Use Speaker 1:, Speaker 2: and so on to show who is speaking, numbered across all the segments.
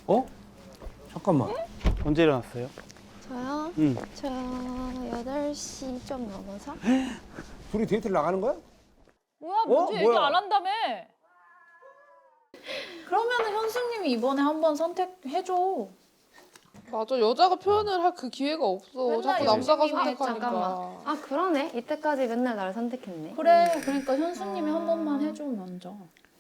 Speaker 1: 어? 잠깐만.
Speaker 2: 언제 일어났어요?
Speaker 3: 저요?
Speaker 2: 응.
Speaker 3: 저 8시 좀 넘어서?
Speaker 1: 둘이 데이트를 나가는 거야?
Speaker 4: 뭐야, 먼저 얘기
Speaker 1: 뭐야?
Speaker 4: 안 한다며. 그러면은 현수님이 이번에 한번 선택해줘.
Speaker 5: 맞아, 여자가 표현을 할 그 기회가 없어.
Speaker 4: 맨날
Speaker 5: 자꾸 남자가
Speaker 4: 열심히 해,
Speaker 5: 선택하니까.
Speaker 4: 잠깐만.
Speaker 3: 아 그러네. 이때까지 맨날 날 선택했네.
Speaker 4: 그래, 그러니까 현수님이 한 번만 해줘, 먼저.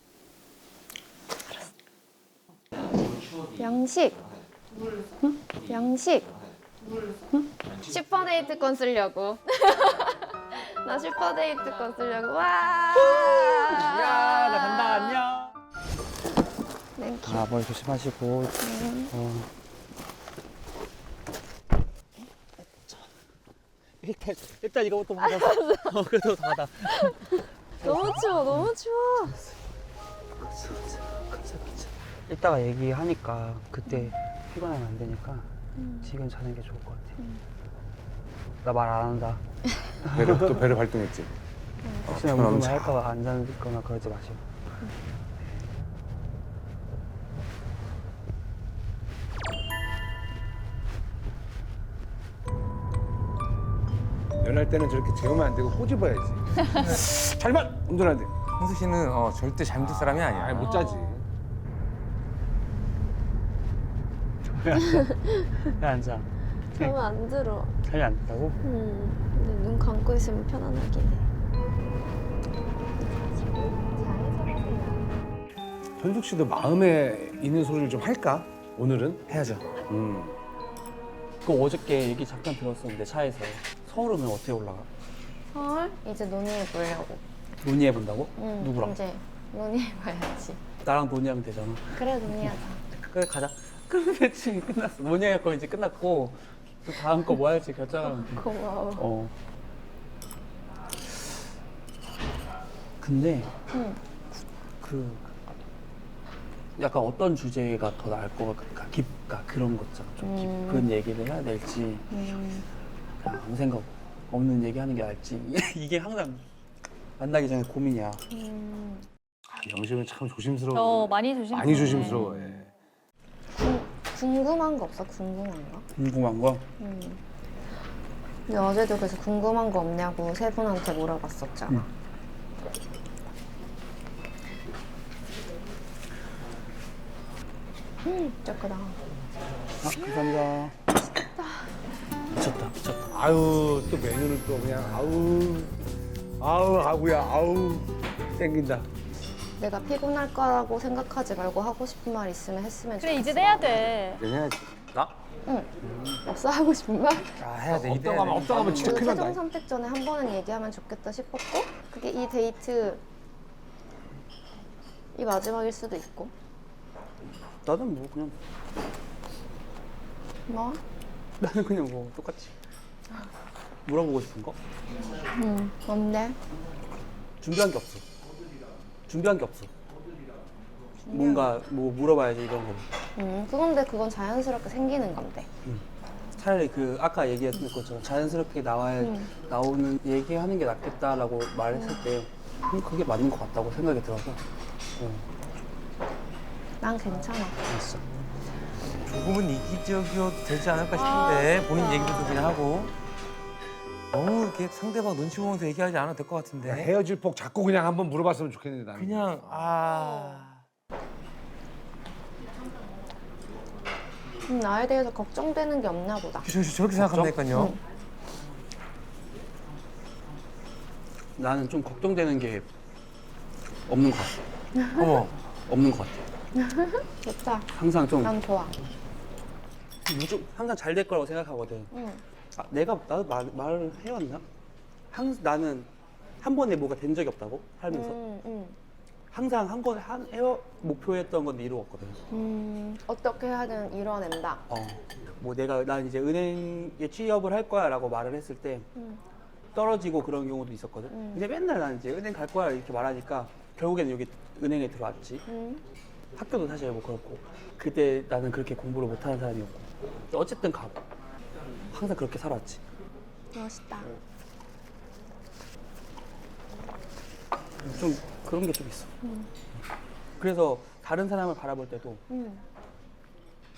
Speaker 3: 양식. 응? 양식. 응? 슈퍼데이트권 쓰려고. 나 슈퍼데이트권 쓰려고. 와.
Speaker 2: 야, 나 간다. 안녕.
Speaker 3: 땡큐.
Speaker 2: 아, 머리 조심하시고. 일단 이거부터 받아. 그래도 받아.
Speaker 3: 너무 추워. 너무 추워.
Speaker 2: 이따가 얘기하니까 그때 피곤하면 안 되니까 지금 자는 게 좋을 것 같아. 나 말 안 한다.
Speaker 1: 또 배를 발동했지.
Speaker 2: 혹시나 무슨 말 할까 봐 안 자거나 그러지 마시고.
Speaker 1: 연할 때는 저렇게 재우면 안 되고 꼬집어야지. 잘만 운전해야 돼.
Speaker 6: 홍수 씨는 절대 잘못된 사람이 아니야.
Speaker 1: 아니 못 자지.
Speaker 2: 왜 안 자?
Speaker 3: 잠안 들어.
Speaker 2: 잠이 안 된다고?
Speaker 3: 근데 눈 감고 있으면 편안하긴 해.
Speaker 1: 현숙 씨도 마음에 있는 소리를 좀 할까? 오늘은 해야죠.
Speaker 2: 그 어저께 얘기 잠깐 들었었는데 차에서 서울 오면 어떻게 올라가?
Speaker 3: 서울? 이제 논의해 보려고.
Speaker 2: 논의해 본다고?
Speaker 3: 응.
Speaker 2: 누구랑?
Speaker 3: 이제 논의해봐야지.
Speaker 2: 나랑 논의하면 되잖아.
Speaker 3: 그래 논의하자.
Speaker 2: 그래 가자. 그럼 대충 끝났어. 논의할 거 이제 끝났고 또 다음 거 뭐 할지 결정하면 돼.
Speaker 3: 고마워.
Speaker 2: 어. 근데
Speaker 3: 응.
Speaker 2: 그 약간 어떤 주제가 더 나을 것 같을까? 깊까 그런 거 있잖아. 좀 깊은 얘기를 해야 될지 그냥 아무 생각 없는 얘기 하는 게 나을지 이게 항상 만나기 전에 고민이야.
Speaker 1: 영심은 참 조심스러워.
Speaker 4: 많이 조심해.
Speaker 1: 많이 조심스러워해.
Speaker 3: 궁금한 거 없어? 궁금한 거?
Speaker 2: 궁금한 거?
Speaker 3: 근데 어제도 그래서 궁금한 거 없냐고 세 분한테 물어봤었잖아. 쩌끄다.
Speaker 2: 아, 감사합니다. 미쳤다, 미쳤다.
Speaker 1: 아유 또 메뉴를 또 그냥 아우 아구야 아우 땡긴다.
Speaker 3: 내가 피곤할 거라고 생각하지 말고 하고 싶은 말 있으면 했으면
Speaker 4: 그래,
Speaker 3: 좋겠어.
Speaker 4: 이제 해야 돼.
Speaker 1: 해야지. 나?
Speaker 3: 응. 없어 하고 싶은 말?
Speaker 6: 아, 해야 돼.
Speaker 1: 없다가 하면 진짜
Speaker 3: 그
Speaker 1: 큰일
Speaker 3: 최종
Speaker 1: 난다.
Speaker 3: 선택 전에 한 번은 얘기하면 좋겠다 싶었고 그게 이 데이트 이 마지막일 수도 있고.
Speaker 2: 나는 뭐 그냥
Speaker 3: 뭐?
Speaker 2: 나는 그냥 뭐 똑같이 물어보고 싶은 거?
Speaker 3: 뭔데?
Speaker 2: 준비한 게 없어. 준비한 게 없어. 뭔가 뭐 물어봐야지 이런 거.
Speaker 3: 그건 자연스럽게 생기는 건데.
Speaker 2: 차라리 그 아까 얘기했던 것처럼 자연스럽게 나오는 얘기하는 게 낫겠다라고 말했을 때 그게 맞는 것 같다고 생각이 들어서.
Speaker 3: 난 괜찮아.
Speaker 2: 알았어.
Speaker 6: 조금은 이기적이어도 되지 않을까 싶은데 본인 얘기도 좀 그냥 하고 너무 이렇게 상대방 눈치 보면서 얘기하지 않아도 될 것 같은데
Speaker 1: 헤어질 폭 자꾸 그냥 한번 물어봤으면 좋겠는데 나는.
Speaker 6: 그냥
Speaker 3: 나에 대해서 걱정되는 게 없나 보다.
Speaker 6: 저렇게 생각한다니까요.
Speaker 2: 나는 좀 걱정되는 게 없는 것 같아.
Speaker 6: 어머,
Speaker 2: 없는 것 같아.
Speaker 3: 좋다.
Speaker 2: 항상 좀
Speaker 3: 난 좋아.
Speaker 2: 항상 잘 될 거라고 생각하거든.
Speaker 3: 응.
Speaker 2: 아, 나도 말을 해왔나? 나는 한 번에 뭐가 된 적이 없다고 살면서 항상 한 번에 목표했던 건데 이루었거든.
Speaker 3: 어떻게 하든 이뤄낸다.
Speaker 2: 뭐 난 이제 은행에 취업을 할 거야라고 말을 했을 때 떨어지고 그런 경우도 있었거든. 근데 맨날 난 이제 은행 갈 거야 이렇게 말하니까 결국에는 여기 은행에 들어왔지. 학교도 사실 뭐 그렇고 그때 나는 그렇게 공부를 못하는 사람이었고 어쨌든 가고 항상 그렇게 살았지.
Speaker 3: 멋있다.
Speaker 2: 좀 그런 게 좀 있어. 그래서 다른 사람을 바라볼 때도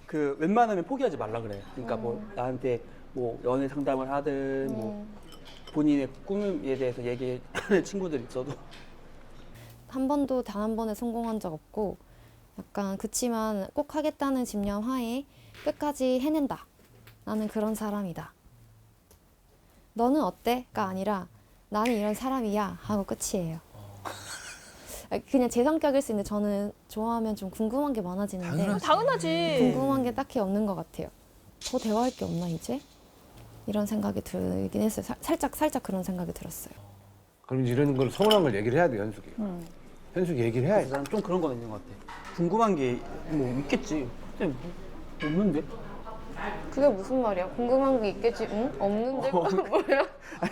Speaker 2: 그 웬만하면 포기하지 말라 그래. 그러니까 뭐 나한테 뭐 연애 상담을 하든 뭐 본인의 꿈에 대해서 얘기하는 친구들 있어도
Speaker 3: 한 번도 단 한 번에 성공한 적 없고 약간 그치만 꼭 하겠다는 집념 하에 끝까지 해낸다. 나는 그런 사람이다. 너는 어때?가 아니라 나는 이런 사람이야 하고 끝이에요. 그냥 제 성격일 수 있는데 저는 좋아하면 좀 궁금한 게 많아지는데
Speaker 4: 당연하지.
Speaker 3: 궁금한 게 딱히 없는 것 같아요. 더 대화할 게 없나 이제? 이런 생각이 들긴 했어요. 살짝 그런 생각이 들었어요.
Speaker 1: 그럼 이런 걸 서운한 걸 얘기를 해야 돼, 현숙이. 현숙이 얘기를 해야지.
Speaker 2: 그래서 나는 좀 그런 건 있는 것 같아. 궁금한 게 뭐 있겠지. 근데 뭐 없는데?
Speaker 3: 그게 무슨 말이야? 궁금한 게 있겠지? 응? 없는데? 뭐야?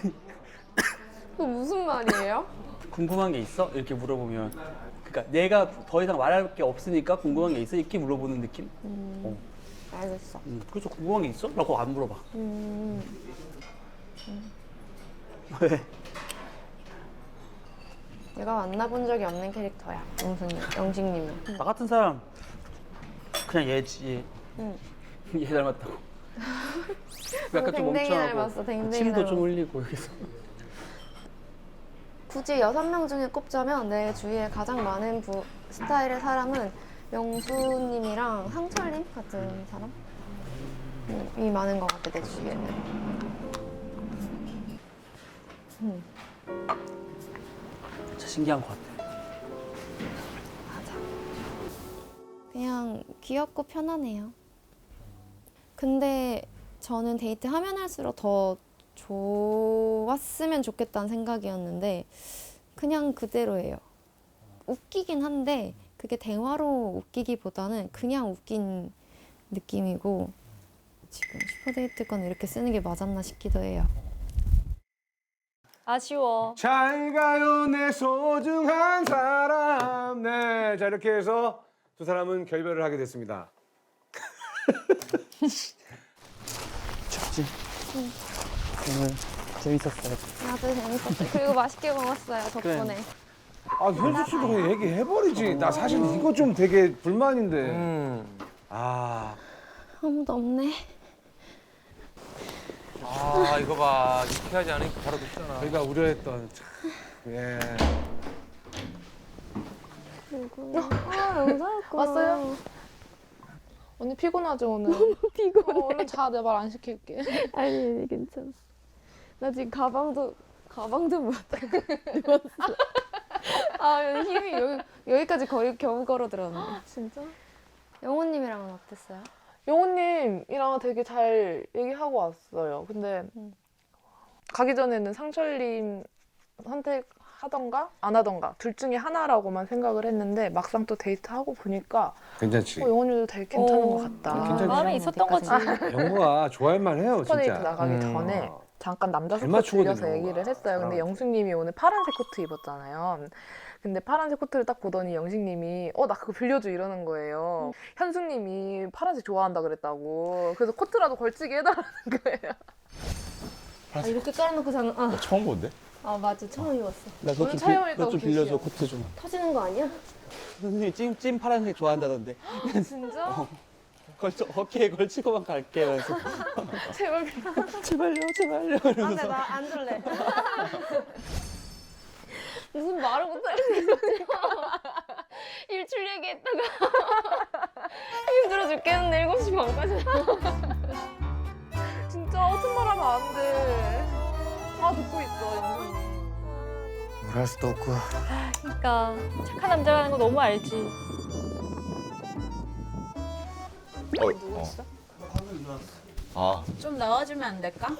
Speaker 3: 그 무슨 말이에요?
Speaker 2: 궁금한 게 있어? 이렇게 물어보면 그러니까 내가 더 이상 말할 게 없으니까 궁금한 게 있어? 이렇게 물어보는 느낌?
Speaker 3: 알겠어.
Speaker 2: 그래서 궁금한 게 있어? 라고 안 물어봐. 왜?
Speaker 3: 내가 만나본 적이 없는 캐릭터야. 영식님은.
Speaker 2: 나 같은 사람 그냥 얘지.
Speaker 3: 응.
Speaker 2: 얘 닮았다고. 약간 좀
Speaker 3: 댕댕이
Speaker 2: 멍청하고
Speaker 3: 닮았어, 댕댕이
Speaker 2: 침도 좀
Speaker 3: 닮았어.
Speaker 2: 흘리고 여기서.
Speaker 3: 굳이 6명 중에 꼽자면 내 주위에 가장 많은 스타일의 사람은 영수님이랑 상철님 같은 사람이 많은 것 같아, 내 주위에는.
Speaker 2: 진짜 신기한 것 같아.
Speaker 3: 맞아. 그냥 귀엽고 편하네요. 근데 저는 데이트 하면 할수록 더 좋았으면 좋겠다는 생각이었는데 그냥 그대로예요. 웃기긴 한데 그게 대화로 웃기기보다는 그냥 웃긴 느낌이고 지금 슈퍼데이트 건 이렇게 쓰는 게 맞았나 싶기도 해요.
Speaker 4: 아쉬워.
Speaker 1: 잘 가요, 내 소중한 사람. 네, 자 이렇게 해서 두 사람은 결별을 하게 됐습니다.
Speaker 2: 좋지. 오늘 재밌었어요.
Speaker 3: 나도 재밌었어요. 그리고 맛있게 먹었어요, 덕분에.
Speaker 1: 아, 현숙 씨도 그냥 얘기해버리지. 나 사실 이거 좀 되게 불만인데. 아,
Speaker 3: 아무도 없네.
Speaker 6: 아 이거 봐. 이렇게 하지 않으니까 바로 눕잖아.
Speaker 1: 저희가 우려했던 참, 예.
Speaker 3: 아, 영상했구나.
Speaker 5: 왔어요? 언니 피곤하죠 오늘? 피곤해. 얼른 자, 내 말 안 시킬게.
Speaker 3: 아니, 괜찮아. 나 지금 가방도 못 입었어. 아, 힘이 여기까지 겨우 걸어 들었네.
Speaker 5: 진짜?
Speaker 3: 영호님이랑은 어땠어요?
Speaker 5: 영호님이랑 되게 잘 얘기하고 왔어요. 근데 가기 전에는 상철님 선택하던가 안 하던가 둘 중에 하나라고만 생각을 했는데 막상 또 데이트하고 보니까
Speaker 1: 괜찮지.
Speaker 5: 영호님도 되게 괜찮은 것 같다.
Speaker 1: 괜찮지.
Speaker 4: 마음에 있었던 거지.
Speaker 1: 영구가 좋아할만 해요,
Speaker 5: 슈퍼데이트
Speaker 1: 진짜.
Speaker 5: 나가기 전에 잠깐 남자
Speaker 1: 잘
Speaker 5: 숙소
Speaker 1: 맞추거든요,
Speaker 5: 들려서 얘기를
Speaker 1: 영호가.
Speaker 5: 했어요. 근데 영숙님이 오늘 파란색 코트 입었잖아요. 근데 파란색 코트를 딱 보더니 영식님이 나 그거 빌려줘 이러는 거예요. 현숙님이 파란색 좋아한다 그랬다고. 그래서 코트라도 걸치게 해달라는 거예요.
Speaker 3: 아, 이렇게 깔아놓고 자는.
Speaker 7: 처음 본데?
Speaker 3: 아, 맞아. 처음 입었어.
Speaker 2: 나
Speaker 5: 오늘 촬영하니까
Speaker 2: 그것 좀
Speaker 5: 웃기시죠?
Speaker 2: 빌려줘. 코트 좀.
Speaker 3: 터지는 거 아니야?
Speaker 2: 선생님이 찜 파란색 좋아한다던데.
Speaker 3: 진짜?
Speaker 2: 어깨에 걸치고만 갈게. 그래서
Speaker 5: 제발
Speaker 2: 제발요.
Speaker 3: 아,
Speaker 2: 이러면서.
Speaker 3: 근데 나 안 줄래. 무슨 말을 못하겠어. 일출 얘기했다가 힘들어 죽겠는데 7시 반까지.
Speaker 5: 진짜 허튼 말 하면 안 돼. 다 듣고 있어 영숙님.
Speaker 6: 뭘 할 수도 없고.
Speaker 4: 그러니까 착한 남자라는 거 너무 알지.
Speaker 5: 누구 있어?
Speaker 7: 아,
Speaker 8: 좀 나와주면 안 될까?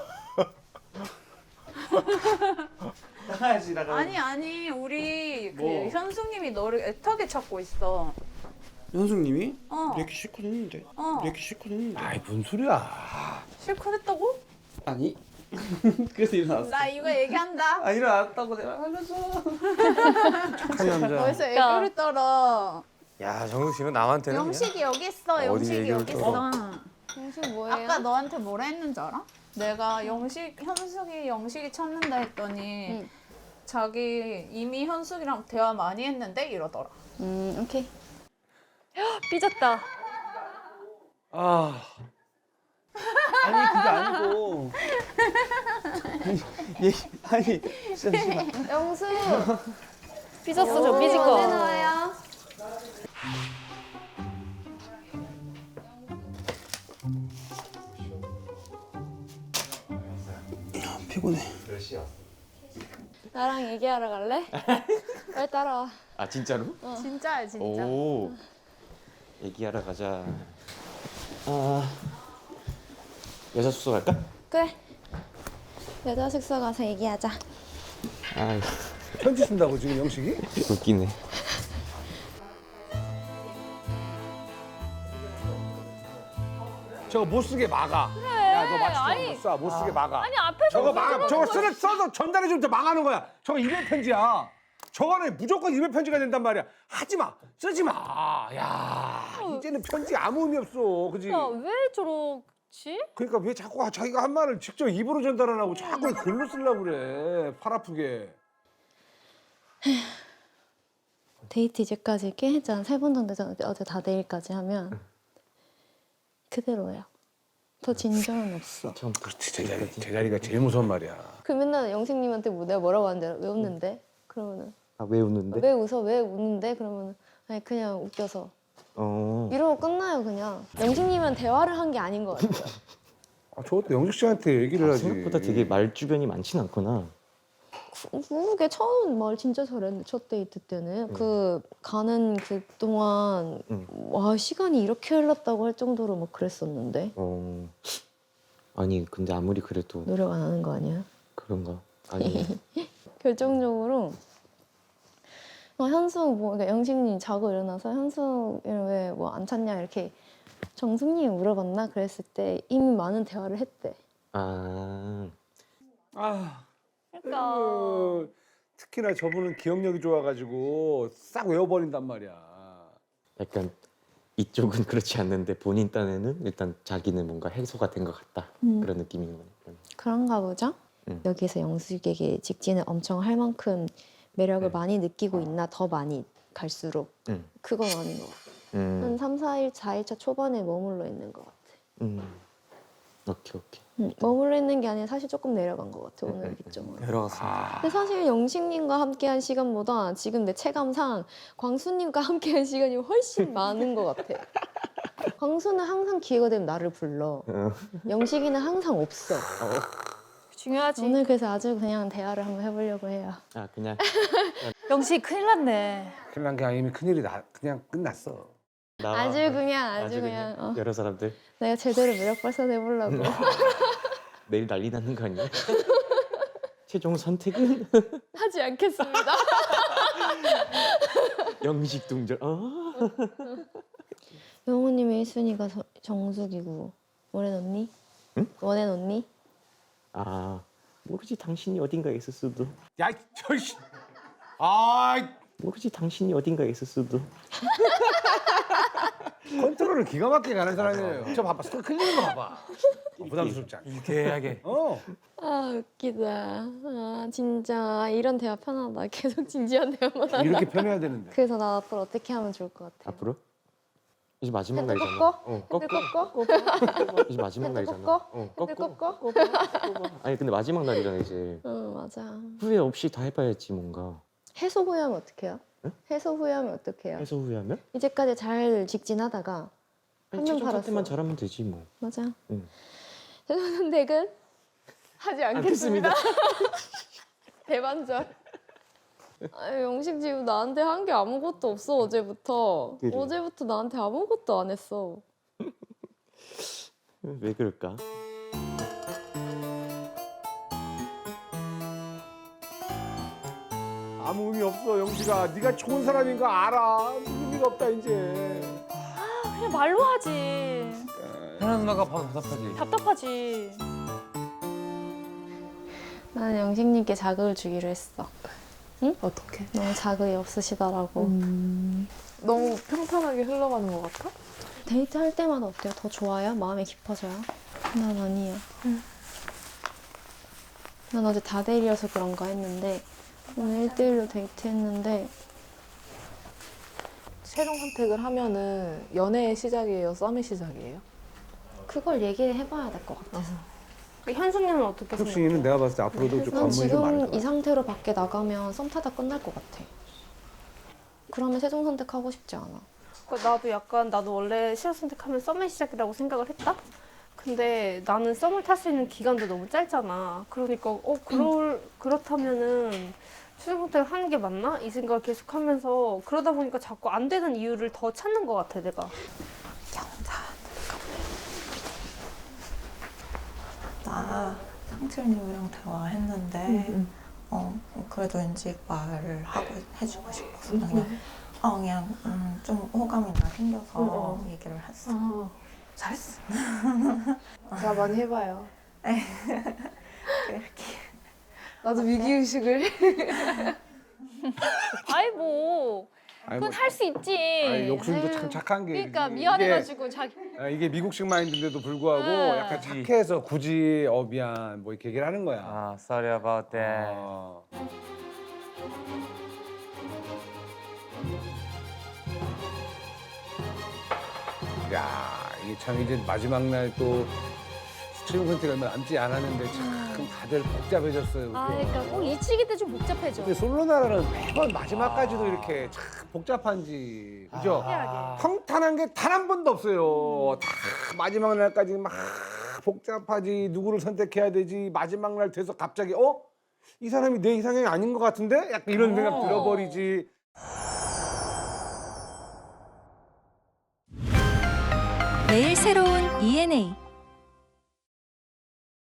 Speaker 2: 나가야지 나가.
Speaker 8: 아니 우리
Speaker 2: 뭐?
Speaker 8: 그 현숙님이 너를 애타게 찾고 있어.
Speaker 2: 현숙님이?
Speaker 8: 어.
Speaker 2: 이렇게 실컷 했는데.
Speaker 8: 어.
Speaker 2: 이렇게 실컷 했는데.
Speaker 1: 아이, 무슨 소리야.
Speaker 8: 실컷 했다고?
Speaker 2: 아니. 그래서 일어났어.
Speaker 8: 나 이거 얘기한다.
Speaker 2: 아 일어났다고 내가 알려줘.
Speaker 1: 착한 남자.
Speaker 8: 벌써
Speaker 4: 그러니까.
Speaker 8: 애교를 떨어.
Speaker 6: 야 정숙 씨는 남한테는
Speaker 8: 영식이 여기 있어.
Speaker 6: 어디
Speaker 8: 영식이
Speaker 6: 얘기를
Speaker 8: 여기
Speaker 6: 떨어?
Speaker 8: 있어.
Speaker 3: 영식 뭐예요?
Speaker 8: 아까 너한테 뭐라 했는지 알아? 내가 현숙이 영식이 찾는다 했더니
Speaker 3: 응.
Speaker 8: 자기 이미 현숙이랑 대화 많이 했는데 이러더라.
Speaker 3: 오케이.
Speaker 4: 삐졌다.
Speaker 1: 아,
Speaker 2: 아니 그게 아니고 아니 잠시만.
Speaker 3: 영수
Speaker 4: 삐졌어 저 삐질 거.
Speaker 3: 나와요?
Speaker 2: 피곤해.
Speaker 3: 나랑 얘기하러 갈래? 빨리 따라와.
Speaker 9: 아 진짜로?
Speaker 8: 진짜야 진짜.
Speaker 9: 오. 얘기하러 가자. 아 여자 숙소 갈까?
Speaker 3: 그래. 여자 숙소 가서 얘기하자.
Speaker 9: 아
Speaker 1: 편지 쓴다고 지금 영식이?
Speaker 9: 웃기네.
Speaker 1: 저거 못 쓰게 막아. 야, 너 맞추지 못 써. 못 쓰게 막아.
Speaker 4: 아니 앞에서
Speaker 1: 저거 막아. 저거 써서 전달해 주면 망하는 거야. 저거 이메일 편지야. 저거는 무조건 이메일 편지가 된단 말이야. 하지 마. 쓰지 마. 야, 이제는 편지 아무 의미 없어. 그지?
Speaker 4: 왜 저러지?
Speaker 1: 그러니까 왜 자꾸 자기가 한 말을 직접 입으로 전달 안 하고 자꾸 글로 쓰려고 그래. 팔 아프게.
Speaker 3: 데이트 이제까지 꽤 했잖아. 3번 정도 했잖아. 어제 다 내일까지 하면 그대로야. 더 진전은 없어.
Speaker 1: 그렇지. 제자리가 제일 무서운 말이야.
Speaker 3: 그 맨날 영식님한테 뭐 내가 뭐라고 하는데 왜 웃는데? 그러면은
Speaker 9: 아 왜 웃는데?
Speaker 3: 왜 웃어? 왜 웃는데? 그러면은 아니 그냥 웃겨서
Speaker 9: 어.
Speaker 3: 이러고 끝나요 그냥. 영식님은 대화를 한 게 아닌 것 같아요.
Speaker 1: 아, 저것도 영식 씨한테 얘기를 하지.
Speaker 9: 생각보다 되게 말 주변이 많진 않구나.
Speaker 3: 그게 처음 말 진짜 잘했는데 첫 데이트 때는 그 가는 그 동안 와 시간이 이렇게 흘렀다고 할 정도로 막 그랬었는데
Speaker 9: 어. 아니 근데 아무리 그래도
Speaker 3: 노력 안 하는 거 아니야?
Speaker 9: 그런가? 아니
Speaker 3: 결정적으로 현수 뭐 그러니까 영식님 자고 일어나서 현수 왜 뭐 안 찾냐 이렇게 정숙님 물어봤나 그랬을 때 이미 많은 대화를 했대.
Speaker 9: 아
Speaker 1: 아,
Speaker 4: 그러니까
Speaker 1: 특히나 저분은 기억력이 좋아가지고 싹 외워버린단 말이야.
Speaker 9: 약간 이쪽은 그렇지 않는데 본인 딴에는 일단 자기는 뭔가 해소가 된 것 같다 그런 느낌인 거니까.
Speaker 3: 그런가 보죠?
Speaker 9: 음.
Speaker 3: 여기서 영숙에게 직진을 엄청 할 만큼 매력을
Speaker 9: 네.
Speaker 3: 많이 느끼고 있나 더 많이 갈수록 그건 아닌 것 같아. 한 3, 4일, 4일차 초반에 머물러 있는 것 같아.
Speaker 9: 오케이.
Speaker 3: 머물러 있는 게 아니라 사실 조금 내려간 것 같아 오늘 기점으로.
Speaker 2: 내려갔습니다.
Speaker 3: 근데 사실 영식님과 함께한 시간보다 지금 내 체감상 광수님과 함께한 시간이 훨씬 많은 것 같아. 광수는 항상 기회가 되면 나를 불러. 영식이는 항상 없어.
Speaker 4: 중요하지.
Speaker 3: 오늘 그래서 아주 그냥 대화를 한번 해보려고 해요.
Speaker 9: 아 그냥
Speaker 4: 영식 큰일 났네.
Speaker 1: 큰일 난 게 아니면 이미 큰일이 그냥 끝났어.
Speaker 9: 나와
Speaker 3: 아주 그냥 어.
Speaker 9: 여러 사람들
Speaker 3: 내가 제대로 매력 발산해보려고.
Speaker 9: 내일 난리 나는 거 아니야? 최종 선택은
Speaker 3: 하지 않겠습니다.
Speaker 9: 영식 동절.
Speaker 3: 영호님의 1순위가 정숙이고 원앤 언니?
Speaker 9: 응?
Speaker 3: 원앤 언니?
Speaker 9: 아 모르지 당신이 어딘가에 있을 수도.
Speaker 1: 야, 저씨. 아,
Speaker 9: 모르지 당신이 어딘가에 있을 수도.
Speaker 1: 컨트롤을 기가 막히게 가는 사람이에요. 저 봐봐, 스크 클리는 거 봐봐. 부담스럽지 않게.
Speaker 6: 유쾌하게.
Speaker 3: 아 웃기다. 아 진짜 이런 대화 편하다. 계속 진지한 대화만 하다.
Speaker 1: 이렇게 편해야 되는데.
Speaker 3: 그래서 나 앞으로 어떻게 하면 좋을 것 같아?
Speaker 9: 앞으로? 이제 마지막
Speaker 3: 핸드
Speaker 9: 날이잖아.
Speaker 3: 꺾어?
Speaker 9: 꺾어.
Speaker 3: 핸드 꺾어?
Speaker 9: 이제 마지막
Speaker 3: 핸드
Speaker 9: 날이잖아.
Speaker 3: 꺾어?
Speaker 9: 꺾어.
Speaker 3: 핸드 꺾어?
Speaker 9: 아니 근데 마지막 날이잖아 이제.
Speaker 3: 응 맞아.
Speaker 9: 후회 없이 다 해봐야지 뭔가.
Speaker 3: 해소 후회하면 어떡해요?
Speaker 9: 응?
Speaker 3: 해소 후회하면 어떡해요?
Speaker 9: 해서 후회하면?
Speaker 3: 이제까지 잘 직진하다가
Speaker 9: 아니,
Speaker 3: 한 명
Speaker 9: 최종
Speaker 3: 팔았어.
Speaker 9: 선택만 잘하면 되지 뭐.
Speaker 3: 맞아.
Speaker 9: 응.
Speaker 3: 최종 선택은 하지 않겠습니다. 대반전. 아유, 영식 지금 나한테 한 게 아무것도 없어 어제부터.
Speaker 9: 그래.
Speaker 3: 어제부터 나한테 아무것도 안 했어.
Speaker 9: 왜 그럴까?
Speaker 1: 아무 의미 없어, 영식아. 네가 좋은 사람인 거 알아. 의미가 없다 이제.
Speaker 4: 그냥 말로 하지.
Speaker 6: 현아 누나가 봐도 답답하지.
Speaker 4: 답답하지.
Speaker 3: 나는 영식님께 자극을 주기로 했어.
Speaker 5: 어떻게?
Speaker 3: 너무 자극이 없으시더라고.
Speaker 5: 너무 평탄하게 흘러가는 것 같아?
Speaker 3: 데이트 할 때마다 어때요? 더 좋아요? 마음이 깊어져요? 난 아니야. 난 어제 다데일이어서 그런가 했는데 오늘 1대1로 데이트했는데
Speaker 5: 최종 선택을 하면은 연애의 시작이에요? 썸의 시작이에요?
Speaker 3: 그걸 얘기를 해봐야 될 것 같아서. 현숙님은 어떻게 생각해?
Speaker 1: 혁신이는 내가 봤을 때 앞으로도 좀
Speaker 3: 난
Speaker 1: 관문이 좀 많을
Speaker 3: 지금
Speaker 1: 거야.
Speaker 3: 이 상태로 밖에 나가면 썸 타다 끝날 것 같아. 그러면 최종 선택하고 싶지 않아.
Speaker 10: 나도 원래 실업 선택하면 썸의 시작이라고 생각을 했다? 근데 나는 썸을 탈 수 있는 기간도 너무 짧잖아. 그러니까 그렇다면은 최종 선택을 하는 게 맞나? 이 생각을 계속 하면서 그러다 보니까 자꾸 안 되는 이유를 더 찾는 것 같아, 내가.
Speaker 11: 나 상철님이랑 대화했는데 그래도 왠지 말을 하고 해주고 싶어서 그냥 좀 호감이 나 생겨서 얘기를 했어.
Speaker 10: 잘했어.
Speaker 5: 자, 많이 해봐요.
Speaker 11: 이렇게
Speaker 10: 나도 위기의식을.
Speaker 8: 아이 뭐 그건 할 수 있지.
Speaker 1: 아니, 욕심도 참 착한 게.
Speaker 8: 그러니까 미안해가지고 자기.
Speaker 1: 이게 미국식 마인드인데도 불구하고 약간 착해서 굳이 미안 뭐 이렇게 얘기를 하는 거야.
Speaker 6: 아, sorry about that.
Speaker 1: 야, 이게 참 이제 마지막 날 또 최종 선택 얼마 남지 않았는데 참 다들 복잡해졌어요. 그죠?
Speaker 8: 그러니까 꼭 이 시기 때 좀 복잡해져.
Speaker 1: 근데 솔로나라는 매번 마지막까지도 이렇게 참 복잡한지 그죠? 평탄한 게 단 한 번도 없어요. 다 마지막 날까지 막 복잡하지. 누구를 선택해야 되지. 마지막 날 돼서 갑자기 이 사람이 내 이상형이 아닌 것 같은데? 약간 이런 생각 들어버리지.
Speaker 12: 매일 새로운 ENA